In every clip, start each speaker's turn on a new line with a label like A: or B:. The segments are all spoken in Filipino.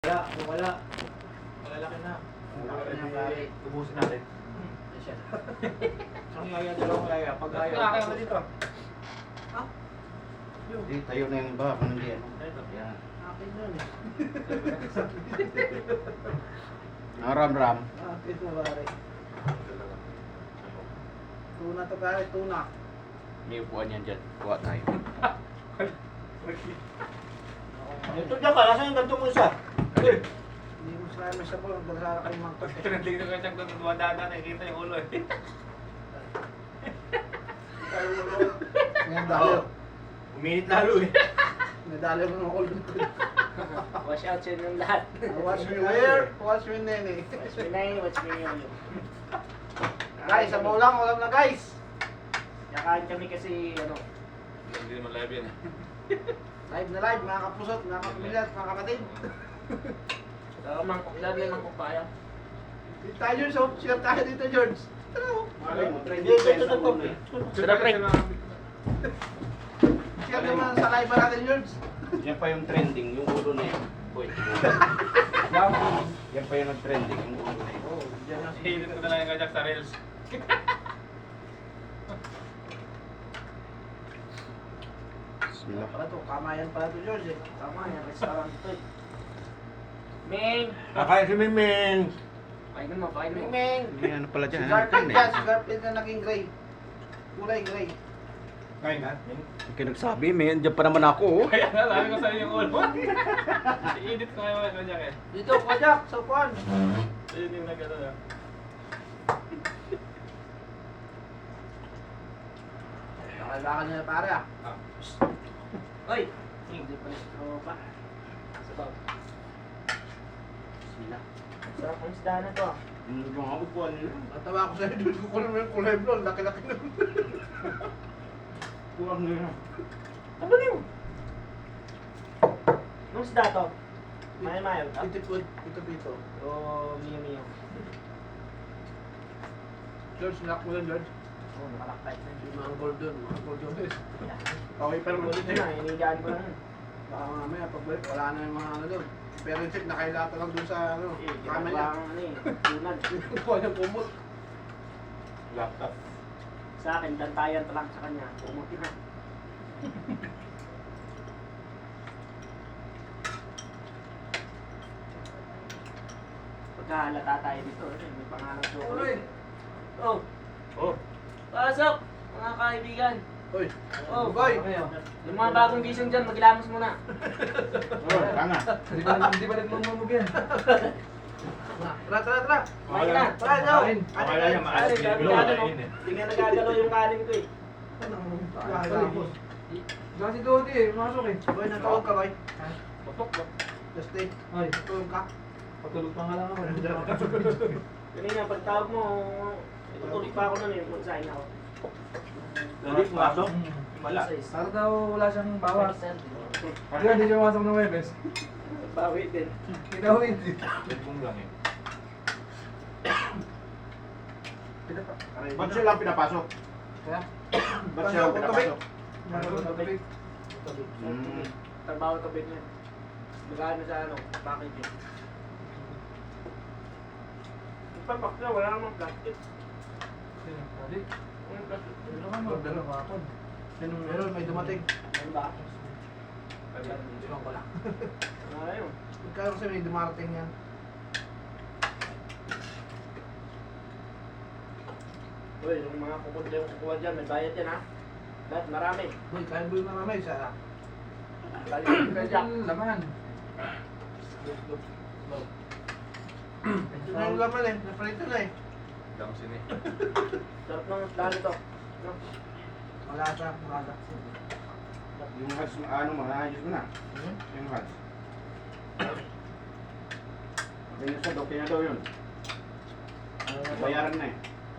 A: Wala, wala. Malalaki na.
B: Malaki na pare.
A: Ubusin natin.
B: Siya.
A: Ang yaya, dalawang yaya. Pag yaya.
C: Kaya mo dito.
B: Ha?
D: Hindi, tayo na yung iba kung hindi ano. Yan.
B: Akin yun eh.
D: Ram-ram.
B: Akin na pare. Tuna to pare, tuna.
D: May upuan yan dyan. Kuha tayo.
A: Ito dyan ka, nasa yung ganito mo isa?
B: Hindi mo sila may sabon, bagsara kayo magkot.
C: Tingnan ko siyang dumadaan, nakikita yung ulo eh.
B: Ngayon dali.
A: Uminit lalo eh.
B: Nadali mo ng ulo ko.
E: Wash out siya ng lahat.
B: Watch me where? Watch me nene.
E: Watch me na yun, watch me yun.
B: Guys, sabaw lang, ulam na guys.
E: Nakain kami kasi, ano,
C: Hindi naman live yan eh.
B: Live na live, mga kapusot, mga kapamilyat, mga kapatid.
E: mangkok, lalo yung mangkok kaya.
B: Dito tayo George, so share tayo dito George. Tara mo.
E: Sarap rin.
B: Share naman sa live natin George.
D: Yan pa yung trending, yung ulo na yun. Boy, yan pa yung nag-trending, yung ulo na yun.
B: Oh, diyan na
C: Hilit ko na lang yung kajak sa reels.
D: Bismillah.
B: Pala to, kamayan pala to George eh.
E: Tama yan, restaurant to eh. Ming!
A: Kakain si Miming.
E: Painan mo, painan mo.
B: Ming!
D: May ano pala
B: Si
D: dyan.
B: Garfield
D: Ano
B: yan,
D: yan
B: si Garfield na naging gray. Kulay gray.
A: Kain na.
D: Yung nagsabi, may dyan pa naman ako. Oh.
C: Kaya nga, sabi ko sa'yo yung ulo. I-edit ko ngayon yung kajak eh.
B: Dito, kajak, sa upuan.
C: Ayun yung nag-ano na.
B: Nakalalakan nila pare ah.
E: Hoy! Hindi pa rin tropa. Sabaw.
D: Bismillah.
E: Sarap ang isda na to ah.
D: Yung mga upuan nila.
B: Natawa ko sa'yo, George, kukunin mo yung kulay blonde, laki-laki na.
D: Kulang nila.
E: Ano niyo? Anong isda to? Mayo-mayo.
B: Pito-pito.
E: O miyo-miyo.
B: George, nilak mo lang George.
E: Oh, nakalaktay na.
B: Yung mga golden guys.
A: Okay, pero
E: Pero
A: dito
E: na, inigaan ko lang yun.
B: Baka mamaya, pagbalik, wala na yung mga ano doon. Pero yung chip, nakailata lang doon sa ano,
E: Eh,
B: kama
E: ginagawa
B: niya.
E: ang ano eh, tunad.
B: Kuha niyang kumot.
A: laptop.
E: Sa akin, dantayan to lang sa kanya. Pumuti na. Pagkahalata tayo dito, may pangalan chocolate. Oh,
A: Oh.
E: pasok! Mga kaibigan.
B: Uy,
E: Oh,
B: boy!
E: yung mga bagong gising dyan, maglamos muna.
D: Oh, tama.
C: Hindi ba nagmumumog yan?
B: Tara!
E: Kumain na.
B: Tara, no!
A: Akala niya maalas
E: Ay,
A: Pilipino.
E: grabe, ano,
A: Kain eh.
E: Hindi nga nagagalaw yung kanin ko eh.
C: Diyan si Dodi eh, masok eh.
B: Boy, natawag ka, boy.
C: Patok ba?
B: Just stay.
C: Ay,
B: Tulog ka.
C: patulog pa nga lang ako.
E: Kanina, pagtawag mo, tutuloy pa ako nun eh, magsahin ako.
A: Dali, pumasok. Wala.
C: Para daw wala siyang bawas.
E: Bawas.
C: Hindi siya pumasok ng Webes.
E: Bawi din.
C: Ikaw hindi.
A: Cellphone lang eh.
D: Ba't siya lang pinapasok?
C: Kaya?
D: Ba't siya lang pinapasok?
C: Meron na tubig.
D: Hmm.
E: Trabaho ka ba niya? Magkano sa ano, packaging. Ipapak na, wala namang plastic.
C: Dali.
E: Ang plastic.
C: Ano ka mo? Dalawa ako.
B: Meron, may dumating.
E: Ano ba?
B: Iwan ko lang.
E: Ano yun?
B: Ikaw kasi may dumarating yan.
E: Uy, yung mga kukuha yung kukuha dyan, may bayad yan ha. Lahat, marami.
B: Boy, kaya boy na naman isa.
E: Balik ka dyan.
C: Laman.
B: Ito na yung laman eh. Napalito na eh.
A: Dami sini.
E: Sarap ng dali to. No?
B: Wala siya. Wala.
D: Yung hats, ano mo, naayos mo na.
B: Hmm?
D: Yung hats. Kaya sa doke na daw yun. Bayaran na eh.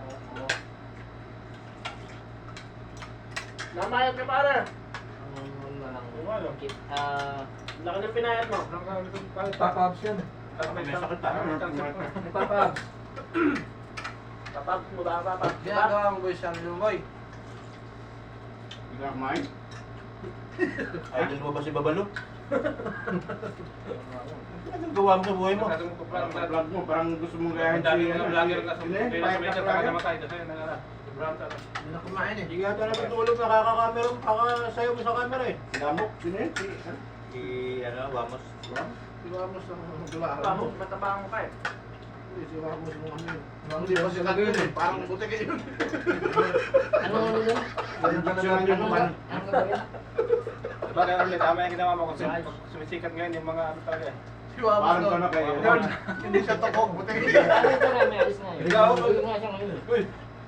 E: Namayad ka pare.
B: Wala lang.
E: Wala. Laki ng pinayad mo.
C: Pop-ups yan.
A: May sakit tayo.
C: May pop-ups.
E: Kapag mo ba kapag?
B: Ginagawa mo boy siya yung boy.
D: Hindi ka kumain?
A: Idol mo ba si Babalo? Anong gawa mo sa buhay mo?
C: Masyado mong
D: Parang
C: pa-vlog.
D: vlog mo, parang gusto mong gayahin
C: Ang dami
D: si
C: mga vlogger na
D: Sino yun?
C: sumili sa
D: Payat
C: media
D: na
C: para
D: vlogger?
C: namatay kasi sobrang sarap.
B: Hindi na kumain eh.
A: Hindi yata natutulog, nakaka-camera, kakasayaw mo sa camera eh.
D: Lamok, sino yun? Si, ano?
A: Si, Wamos.
B: Si Ramos ang magdula.
E: Pamo, matabang ka eh.
B: Hindi, si Ramos mo ano yun. Hindi pa siya yun eh. Parang butik yun.
E: Ano ano yun?
B: Ayun pa
D: Picture yun,
B: naman.
E: Ano gagawin?
C: Diba kaya ulit, tama yung ginawa mo kasi pag sumisikat ngayon yung mga ano talaga eh.
B: Si Ramos
D: Parang
B: doon.
D: ka na kayo.
B: Yun, hindi siya tokok. Butik yun.
E: Ano ito na, may alis na eh.
A: Ikaw?
E: Uwi nga siya ngayon.
A: Uy!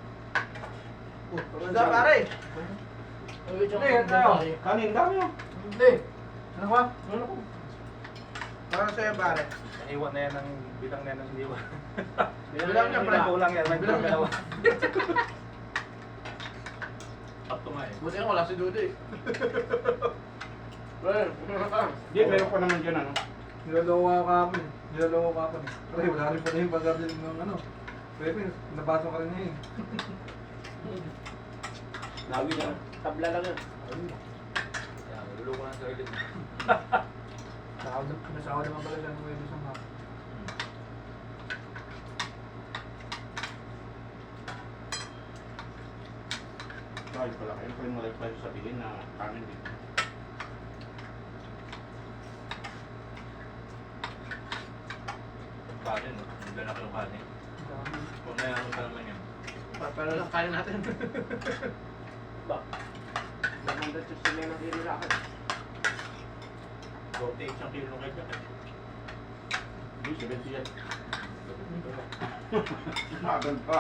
B: Wala pare.
E: Uwi siya
B: Hindi,
E: ngayon.
B: tayo.
D: Kanin, dami yun.
B: Hindi. Ano ba? Ano ko? Para sa'yo pare.
C: Naiwan na yan ng bilang na yan ng liwa.
B: Bilang niya pala.
C: Kulang yan, may
B: Bilang niya.
C: dalawa.
A: Sakto nga eh.
B: Buti nga wala si Dudu eh. Well,
D: Hindi, meron pa naman dyan, ano?
F: Niloloko ka ako eh. Niloloko ka ako eh. Pre, wala rin pala yung pag-garden ng ano. Pepe, nabasa ka rin niya eh.
A: Lawi na.
E: Tabla lang yun.
A: Yan, niluloko na sa ulit.
F: Nasawa naman pala siya ng Webis ang hap.
D: Ay, pala kayo pa yung malay pa sabihin na kanin dito.
A: Kanin, no? Ang lalaki yung kanin. Kung mayroon ka naman yan.
B: pero lang kaya natin.
E: Ba? 160 na kilo sa akin.
A: 40, isang kilo kayo dyan.
D: Hindi, 70 yan. Magal pa.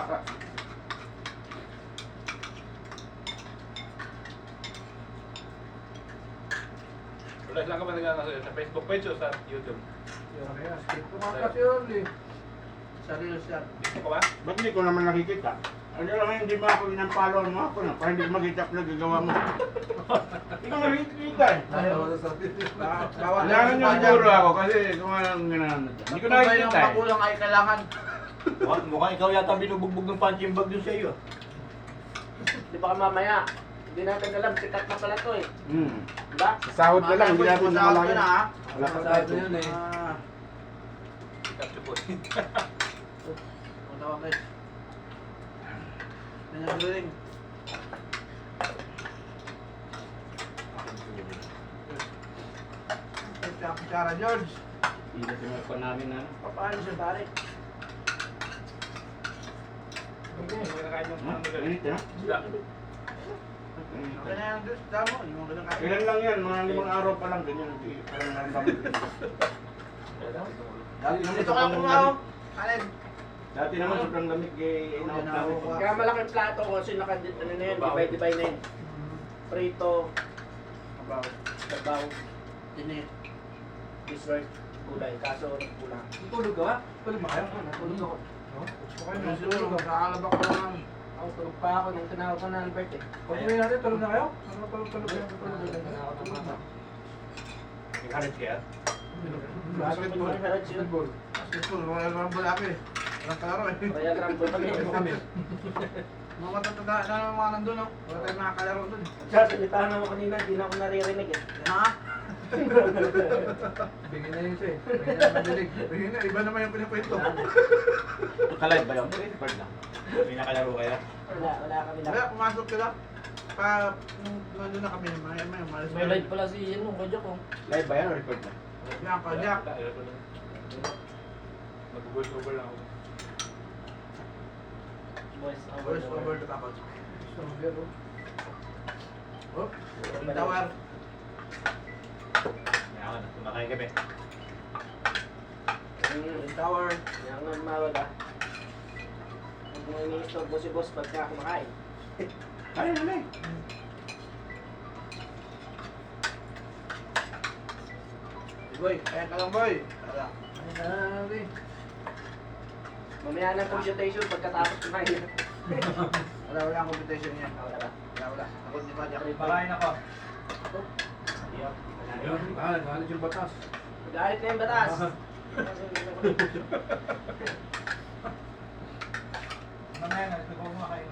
C: Wala lang ka ba nagkakaso sa Facebook page o sa YouTube?
F: Kaya, skip ko nga kasi yun eh.
B: Sarili siya.
C: Gusto ko ba?
D: Ba't hindi ko naman nakikita? Ano lang hindi ba ako inang-follow mo ako na para hindi ko makita ang nagagawa mo. Hindi ko nakikita eh.
F: Ayaw ko sa sarili.
B: Bawal
D: Kailangan yung siguro ako kasi kung anong ginagawa dyan. Hindi ko nakikita
B: Yung
D: eh.
B: magulang ay kailangan.
A: Mukhang ikaw yata binubugbog ng punching bag dun sa iyo.
E: Di ba ka mamaya? Hindi natin alam, sikat na pala to eh.
D: Hmm.
E: Diba?
D: Sahod na lang, hindi natin
B: Masahod
D: namalayan.
B: ka na, ha?
D: Wala pa
F: Masahod
D: tayo.
F: na yun eh.
B: Ah,
C: Capture po.
B: punta ka guys. Ganyan galing. Kutsara George.
D: Hindi natin pa namin na.
B: Paano siya pare?
C: Hindi mo kinakain yung
D: Ha?
C: ano nila.
D: Init na?
C: Isda.
B: Okay na yan George. Damo. Hindi mo ganun kain.
D: Ilan lang yan, mga 5 araw pa lang ganyan. Hindi, parang naramdaman ko.
F: Dati naman
B: Dito ka kumaw. Alin?
D: Dati naman sobrang lamig kay inaot namin.
E: Kaya malaking plato ko kasi nakadit ano na yun, divide na yun. Prito,
B: Abaw.
E: sabaw,
B: Tinit.
E: dessert, gulay. Kaso kulang.
F: Tulog ka ba? Tulog ba kayo? Tulog ako. No?
B: Okay na siguro. Nakakalabak ko lang.
E: Ako tulog pa ako nung tinawag ko na Albert eh.
F: Pag uwi natin, tulog na kayo? Ano tulog kayo? Tulog na.
A: Nag-harap kaya?
B: Basketball.
F: Basketball.
B: Basketball. Royal Rumble ako eh. Walang kalaro eh.
E: Kaya Rumble kami.
F: Ano kami?
B: Mga matatanda na naman mga nandun, no? Wala tayong makakalaro dun.
E: Sasalitahan ako kanina, di na ako naririnig eh.
B: Ha?
F: Bigyan na yun siya eh. Bigyan na madilig.
B: Ayun na, iba naman yung pinakwento.
A: Nakalive ba yun? Record lang. May nakalaro kaya?
E: Wala kami lang.
B: Wala, pumasok sila. Pa, nandun na kami, may umalis.
E: May live pala si Ian nung kajak ko.
D: Live ba yan o record na?
B: Yan, kajak.
C: Mag-voice over lang ako.
E: Voice
B: Voice over the tapos.
F: Soldier, oh.
B: Oh, tawar.
A: Kaya ako na, kumakain kami.
B: Tower.
E: Yan nga mawala. Huwag mo ini-istorbo si boss pagka kumakain.
D: Kaya na eh.
B: Boy, kaya ka lang boy. Wala.
E: Mamaya ng computation pagkatapos kumain.
B: Wala ang competition niya.
E: Wala ba?
B: Wala. Ako di pa diyak.
A: Pakain ako.
F: Ayun, galit yung batas.
E: Galit na yung batas.
A: Mamaya na, ito ko kumakain.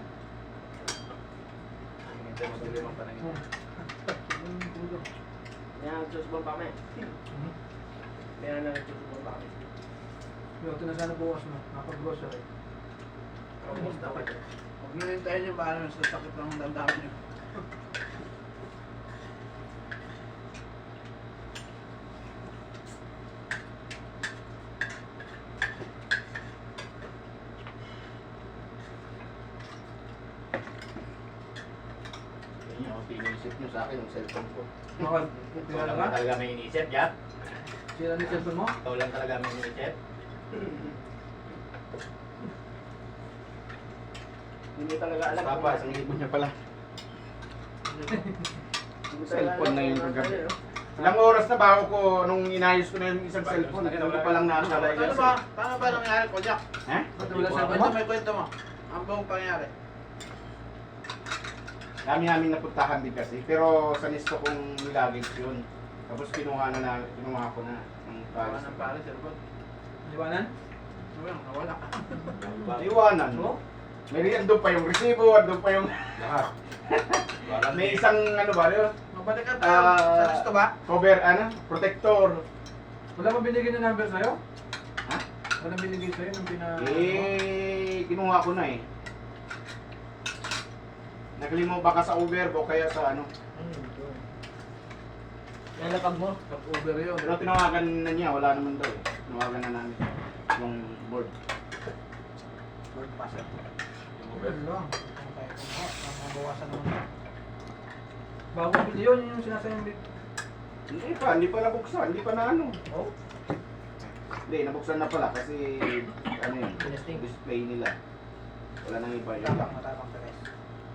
A: Hintay mo sila mga panangin.
E: Kaya nagsusubang pa kami.
F: Hmm?
E: Kaya nagsusubang pa kami.
F: Yung tinasana bukas na, napag-grocery.
E: Almost dapat.
B: Huwag nyo hintayin yung paano sa sakit ng damdamin nyo.
D: Yun yung pinisip nyo sa akin, yung cellphone ko.
F: Bakit?
A: Ikaw
F: Tingnan
A: lang
F: ka?
A: ba talaga may inisip, Jack?
F: Sila ni cellphone mo?
A: Ikaw lang talaga may inisip?
E: Hindi talaga alam.
D: Papa, isang libo niya pala.
E: Hindi talaga
D: Cellphone na
E: alam
D: yun
E: kung
D: kagabi.
E: ano, no?
D: Ilang oras na bago ko nung inayos ko na yung isang cellphone, hindi ko pa lang naalala
B: Paano
D: yun.
B: ba? Paano ba nangyari ko, Jack?
D: Ha?
F: Ba't wala cellphone
B: Kwento
F: mo?
B: may kwento mo. Ang buong pangyari.
D: Dami namin napuntahan din kasi, pero sa listo kong nilagage yun. Tapos kinuha ko na ng
B: Tawa
D: pares.
B: ng pare, cellphone.
F: Iwanan?
B: Ano yan? Nawala.
D: Iwanan.
F: Oo.
D: May andun pa yung resibo, andun pa yung...
A: Lahat. Walang
D: May isang ano ba yun?
B: Mabalik ka tayo. Sa gusto ba?
D: Cover, protector.
F: Wala ba binigay na number sa'yo?
D: Ha?
F: Wala binigay sa'yo nung
D: Kinuha ko na eh. Naglimaw baka sa Uber o kaya sa ano.
E: Yan lapag mo.
B: Top-over yun.
D: Pero tinawagan na niya, wala naman daw eh. Tinawagan na namin yung board.
B: Lord Pastor.
F: Wala lang.
B: Mabawasan naman.
F: Bago bili yun, yung sinasayang bit.
D: Hindi pa nabuksan, hindi pa na ano.
F: Oh?
D: Hindi, nabuksan na pala kasi ano yun,
E: Testing.
D: display nila. Wala nang iba yun.
B: Matapang ka guys.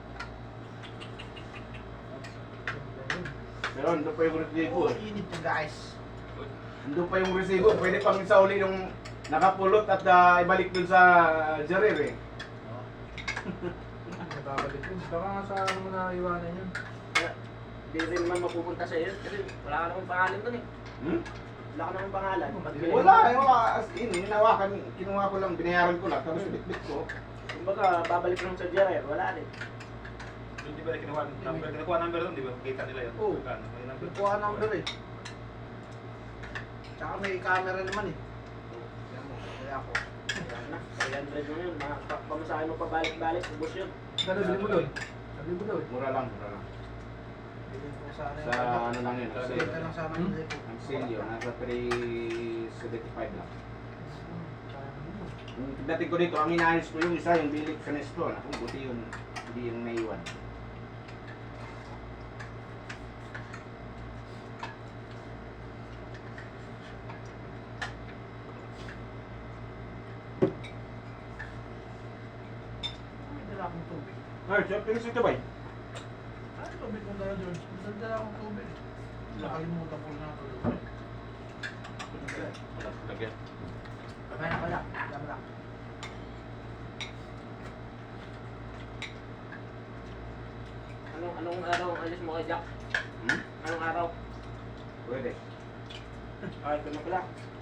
D: Pero andun pa yung resibo eh.
B: Init yung guys.
D: Andun pa yung resibo. Pwede pang isa uli yung nakapulot at ibalik dun sa Jarir eh.
F: Nababalik yun. Baka nga sa ano mo na iwanan yun.
E: Hindi rin naman mapupunta sa iyo kasi wala ka namang pangalan doon eh.
D: Hmm?
E: Wala ka namang pangalan.
D: Wala, as in, hinawakan, kinuha ko lang, binayaran ko lang, tapos bitbit ko.
E: Kumbaga, babalik lang sa Jerry. Wala rin.
C: Hindi ba kinuha number? Kinuha number doon, di ba? Kita nila yun.
B: Oo.
C: Magkano? May number.
B: Kuha number eh. Tsaka may camera naman eh. Kaya mo, kaya ako.
E: Wala na. 300 mo yun. Pamasahin mo pabalik-balik. Ubus yun.
F: Gano'n, bili mo doon. Bili mo doon.
D: Mura lang, mura lang.
B: Bilhin ko sana
D: Sa ano lang yun, ang
B: Bilhin
D: sale.
B: ka lang sana
F: Hmm?
B: ng lipo.
D: Ang sale yun, nasa 375 lang. Yung pagdating ko dito, ang inaayos ko yung isa, yung bilik sa Nesto. Naku, buti yun, hindi yung naiwan.
B: May dala akong tubig.
D: Ay, siya, pinis ito ba?
B: Ano tubig kong dala, George? May dala akong tubig. Nakalimutan ko na ito.
A: Wala talaga.
B: Kaya na pala. Dama lang.
E: Anong araw ang alis mo kay Jack?
D: Hmm?
E: Anong araw?
D: Pwede.
E: Ay, ito na pala.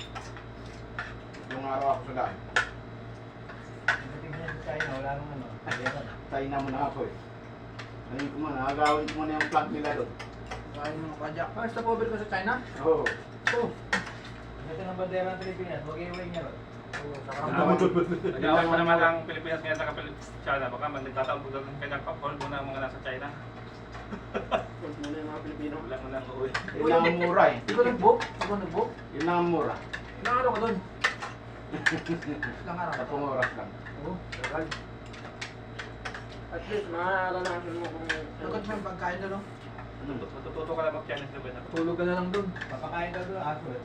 D: Yung araw ako sa daan.
A: Tingnan sa China, wala nang ano.
D: China mo na ako eh. Ano ko man, nakagawin ko muna yung plug nila doon.
B: Kain mo pa, Jack.
F: Ah, stop over ko sa China?
D: Oo.
F: Oo.
A: Ito ng bandera ng Pilipinas, huwag iuwi niya ron.
B: Oo, saka
C: Nag-away pa naman ang Pilipinas ngayon sa China. Baka man nagtatawag doon ng kanyang hold muna ang mga nasa China.
E: Huwag muna yung mga Pilipino.
C: Wala mo lang uuwi.
D: Yun lang ang mura eh.
F: Di ko nag-book? Di ko nag-book?
D: Yun lang ang mura.
F: Ilang araw ka doon?
B: lang araw.
D: 10 oras lang.
F: Oo, tagal.
E: At least, mararanasan mo kung...
B: Sagot mo yung pagkain doon, no?
C: Matututo ka lang mag-Chinese doon.
F: Tulog ka na lang doon.
A: Papakain daw doon, aso eh.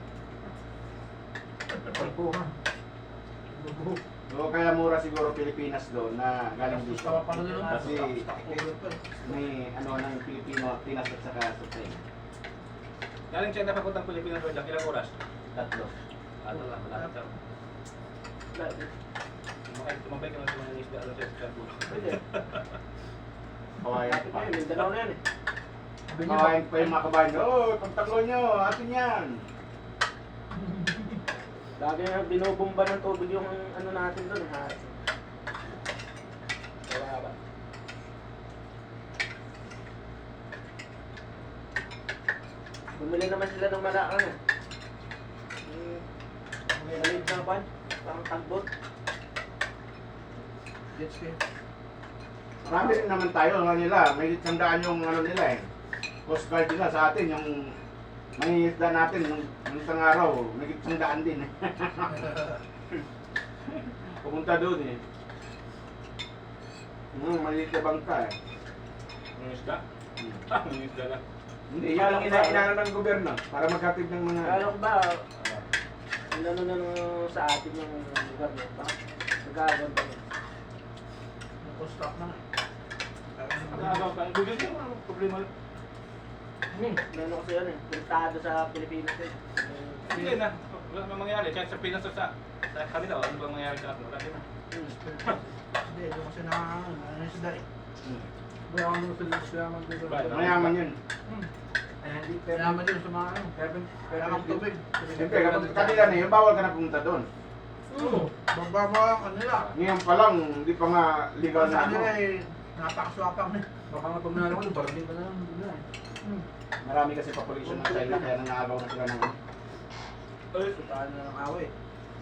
F: Pagpo ka. Lugo.
D: So, kaya mura siguro Pilipinas doon na galing dito.
B: Gusto ka pa doon, no?
D: Kasi
B: Over pa eh.
D: may ano ng Pilipino, Pinas at saka sa China.
C: Galing China papuntang Pilipinas doon, Jack, ilang oras?
A: 3.
C: Ano lang, malapit lang. Tumabay ka lang sa mga isda doon sa Istanbul.
E: Pwede.
D: Kawayan
E: Lapit
D: pa.
E: na yun, Mindanao na yan eh.
F: Sabi niya,
D: Kawayan pa yung mga kabayan. Oh, pagtanggol nyo, atin yan.
E: Lagi na binubumba ng tubig yung ano natin doon. Ha? Wala ba? Bumili naman sila ng malakan eh. May maliit na pan, parang tagbot.
B: Jet ski.
D: Marami rin naman tayo, ano nila, may tandaan yung ano nila eh. Coast Guard nila sa atin, yung may isda natin nung isang araw, may tandaan din eh. Pumunta doon eh. Maliit na bangka eh.
C: Yung isda? Yung isda lang.
D: Hindi, yan ang inaano ng gobyerno para magkatid ng mga...
E: Kala ko ba, inano na sa atin yung lugar niya, bakit nag-aagad ba yun?
B: Nag-stock na nga.
C: Nakagaw ka. Google niyo, ano problema lang.
E: Meron kasi yan eh, puntado sa Pilipinas eh.
C: Hindi na. Wala namang mangyari. Kahit sa Pinas o sa kanila, ano bang mangyari sa atin? Wala din na.
B: Hindi, doon kasi ano yung sida eh.
F: Mayaman mo sila mayaman dito.
D: Mayaman yun.
B: Kailangan yun sa mga ano. Kailangan tubig.
D: Siyempre, kapag kanila na yun, bawal ka na pumunta doon.
B: Bababa ang kanila.
D: Ngayon pa lang, hindi pa nga legal
B: Sa
D: na ano.
B: kanila eh, napakaswapang eh.
F: Baka nga pag nalaman ko, barating ka na lang. Hindi na eh.
D: Marami kasi population ng China, kaya nangaagaw na sila ng...
B: Paano na ng away.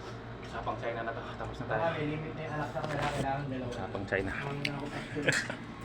C: Sapang China na to. Tapos na tayo.
A: May limit na yung anak sa kanila, kailangan dalawa.
C: Sapang China.
B: Ang ako